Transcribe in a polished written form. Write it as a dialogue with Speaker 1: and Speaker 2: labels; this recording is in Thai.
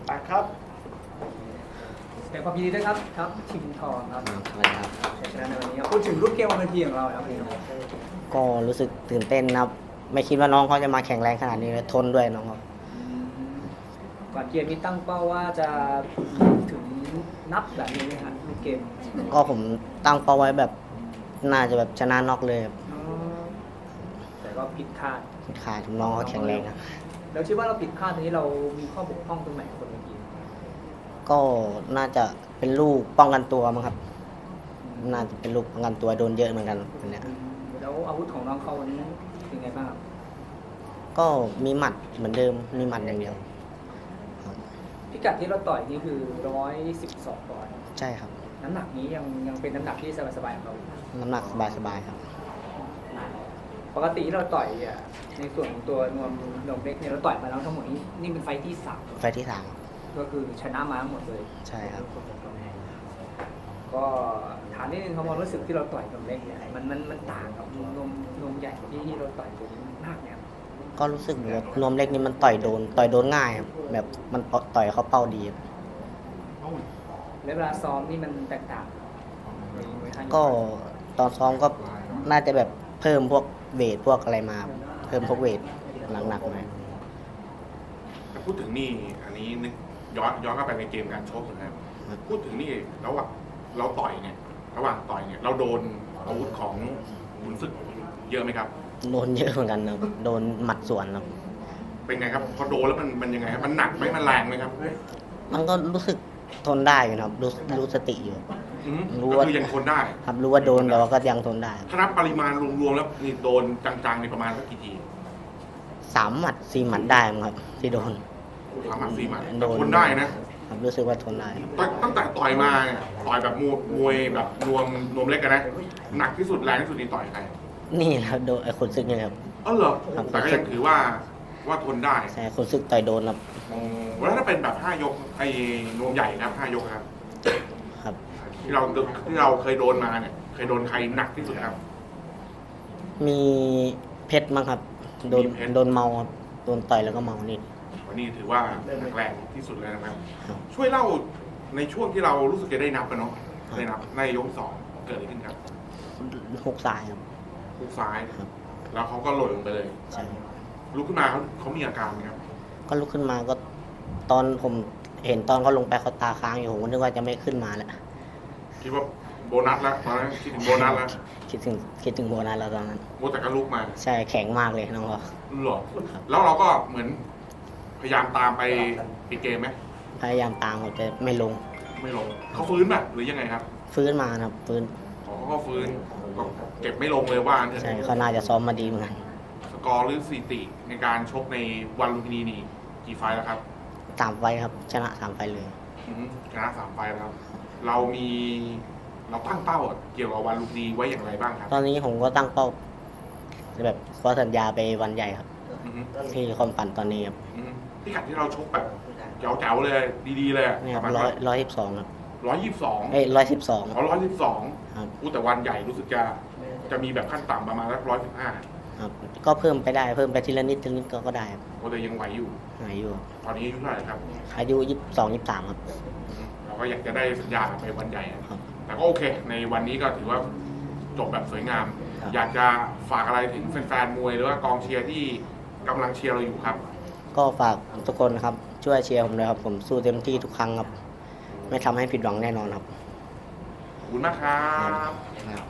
Speaker 1: ไปครับ
Speaker 2: แสดงความยินดีด้วยครับชิงทองครับ
Speaker 3: อะไรครับ
Speaker 2: ชัยชนะในวันนี้พูดถึงรูปเกมบนเวทีของเราครับพี่
Speaker 3: ก็รู้สึกตื่นเต้นนะครับ ไม่คิดว่าน้องเขาจะมาแข็งแรงขนาดนี้ทนด้วยน้องเขา
Speaker 2: ก่อนเกมนี้ตั้งเป้าว่าจะถึงนับแบบนี้ไหมครับรูปเกม
Speaker 3: ก็ผมตั้งเป้าไว้แบบน่าจะแบบชนะน็อกเลยครับ
Speaker 2: แต่ก็ผิดคาด
Speaker 3: ขาดน้องเขาแข็งแรงครับ
Speaker 2: แล้วคิดว่าเราผิดคาดตรงนี้เรามีข้อบกพร่องตรงไหนบนเวที
Speaker 3: ก็น่าจะเป็นลูกป้องกันตัวมั้งครับ น่าจะเป็นลูกป้องกันตัวโดนเยอะเหมือนกันวันเนี้ย
Speaker 2: แล้วอาวุธของน้องเขาวันนี้เป็นไงบ้างครับ
Speaker 3: ก็มีหมัดเหมือนเดิมมีหมัดอย่างเดียว
Speaker 2: พิกัดที่เราต่อยนี่คือ112 ปอนด์
Speaker 3: ใช่ครับ
Speaker 2: น้ำหนักนี้ยังเป็นน้ำหนักที่สบายๆของเราอยู่
Speaker 3: น้ำหนักสบายๆครับ
Speaker 2: ปกติที่เราต่อยในส่วนของตัวนวมเล็กเนี่ยเราต่อยมาแล้วทั้งหมดนี่เป็นไฟท์ที่3
Speaker 3: ไฟล์ที่3
Speaker 2: ก็คือชนะมาทั้งหมดเลย
Speaker 3: ใช่ครับ
Speaker 2: ก็ถามนิดนึงครับความรู้สึกที่เราต่อยนวมเล็กเนี่ยมันต่างกับนวมใหญ่ที่เราต่อยตัวนี้มากเนี่ยครับ
Speaker 3: ก็รู้สึกว่านวมเล็กนี่มันต่อยโดนง่ายครับแบบมันต่อยเขาเป้าดีครับ
Speaker 2: แล้วเวลาซ้อมนี่มันแตกต่างไหมครับ
Speaker 3: ก็ตอนซ้อมก็น่าจะแบบเพิ่มพวกเวทพวกอะไรมา เพิ่มพวกเวทหนักๆหน่อย
Speaker 4: แต่พูดถึงนี่อันนี้นึกย้อนกลับไปในเกมการชกนะครับพูดถึงนี่ระหว่างเราต่อยเนี่ยระหว่างต่อยเนี่ยเราโดนอาวุธของขุนศึกเยอะไหมครับ
Speaker 3: โดนเยอะเหมือนกันครับโดนหมัดสวนครับ
Speaker 4: เป็นไงครับพอโดนแล้วมันยังไงครับมันหนักไหมมันแรงไหมครับ
Speaker 3: มันก็รู้สึกทนได้อยู่นะครับรู้สติอยู่ รู้
Speaker 4: ก็
Speaker 3: ว่า
Speaker 4: คือยังทนได้
Speaker 3: ครับรู้ว่าโดนแต่ว่าก็ยังทนได้
Speaker 4: ถ้านับปริมาณรวมๆแล้วนี่โดนจังๆในประมาณสักกี่ที
Speaker 3: 3 หมัด 4 หมัดได้มั้งครับ ที่โดน
Speaker 4: 3 หมัด 4 หมัด
Speaker 3: โดน
Speaker 4: ทนได้นะครับ
Speaker 3: รู้สึกว่าทนได้ครับ
Speaker 4: ตั้งแต่ต่อยมาเนี่ยต่อยแบบมวยแบบนวมเล็กกันนะหนักที่สุดแรงที่สุดนี่ต่อยใคร
Speaker 3: นี่นะครับโดนไอ้คนซึกนี่ครับ
Speaker 4: อ๋อเหรอ
Speaker 3: ครับ
Speaker 4: แต่ก็ยังถือว่าทนได้
Speaker 3: ใช่คนซึกต่อยโดนครับ
Speaker 4: แล้วถ้าเป็นแบบ5 ยกไอ้นวมใหญ่ครับ5 ยกครับ
Speaker 3: ครับ
Speaker 4: ที่เราเคยโดนมาเนี่ยเคยโดนใครหนักที่สุดครับ
Speaker 3: มีเพชรมั้งครับโดน
Speaker 4: มีเพชร
Speaker 3: โดนเมาครับโดนต่อยแล้วก็เมานี่
Speaker 4: วันนี้ถือว่าหนักแรงที่สุดเลยนะครับ
Speaker 3: ครับ
Speaker 4: ช่วยเล่าในช่วงที่เรารู้สึกจะได้นับกันเนาะ
Speaker 3: ครับ
Speaker 4: ได้นับในยกสองเกิดอะไรขึ้นครับ
Speaker 3: 6 สายครับ
Speaker 4: ฮุกซ้าย
Speaker 3: ครับ
Speaker 4: แล้วเขาก็หล่นลงไปเลย
Speaker 3: ใช่
Speaker 4: ลุกขึ้นมาเขามีอาการไหมครับ
Speaker 3: ก็ลุกขึ้นมาก็ตอนผมเห็นตอนเขาลงไปเขาตาค้างอยู่ผมก็นึกว่าจะไม่ขึ้นมาแล้ว
Speaker 4: คิดว่าโบนัสแล้วตอนนั้นคิดถึงโบนัสแล้ว
Speaker 3: คิดถึงโบนัสแล้วตอนนั้น
Speaker 4: โมแต่ก็ลุกมา
Speaker 3: ใช่แข็งมากเลยน้องเรา
Speaker 4: หรอแล้วเราก็เหมือนพยายามตามไปปิดเกมไหม
Speaker 3: พยายามตามเขาจะไม่ลง
Speaker 4: ไม่ลงเขาฟื้นแบบหรือยังไงครับ
Speaker 3: ฟื้นมานะครับฟื้น
Speaker 4: เขาก็ฟื้นก็เก็บไม่ลงเลยว่างั้นเถอะ
Speaker 3: ใช่เขาน่าจะซ้อมมาดีเหมือนกัน
Speaker 4: สกอร์หรือสถิติในการชกในวันลุมพินีนี่กี่ไฟล์แล้วครับ
Speaker 3: 3 ไฟล์ครับชนะ 3 ไฟล์เลย
Speaker 4: ชนะ3 ไฟล์แล้วเราตั้งเป้าเกี่ยวกับวันลุมพินีไว้อย่างไรบ้างครับ
Speaker 3: ตอนนี้ผมก็ตั้งเป้าแบบขอสัญญาไปวันใหญ่ครับ
Speaker 4: อือฮึ
Speaker 3: ที่ความฝันตอนนี้ครับ
Speaker 4: อือฮึพิกัดที่เราชกแบบแจ๋วๆเลยดีๆเลย
Speaker 3: เนี่ยครับ
Speaker 4: ประมาณ
Speaker 3: 112ครับ
Speaker 4: 122
Speaker 3: เอ้ย112
Speaker 4: เขา112
Speaker 3: ครับ
Speaker 4: แต่วันใหญ่รู้สึกจะมีแบบขั้นต่ำประมาณสัก115
Speaker 3: ครับก็เพิ่มไปได้เพิ่มไปทีละนิดก็ได้ครับ
Speaker 4: ก็เลยยังไหวอยู่
Speaker 3: หายอยู่
Speaker 4: ตอนนี้อายุเท่าไหร่ครับ
Speaker 3: อายุ22 23ครับ
Speaker 4: เราก็อยากจะได้สัญญาไปวันใหญ่อะ
Speaker 3: ครับ
Speaker 4: แต่ก็โอเค ในวันนี้ก็ถือว่าจบแบบสวยงาม
Speaker 3: ครับ
Speaker 4: อยากจะฝากอะไรถึงแฟนๆมวยหรือว่ากองเชียร์ที่กำลังเชียร์เราอยู่ครับ
Speaker 3: ก็ฝากทุกคนนะครับช่วยเชียร์ผมด้วยครับผมสู้เต็มที่ทุกครั้งครับ ไม่ทำให้ผิดหวังแน่นอนครับ
Speaker 4: ขอบคุณมากครับ
Speaker 3: ครับ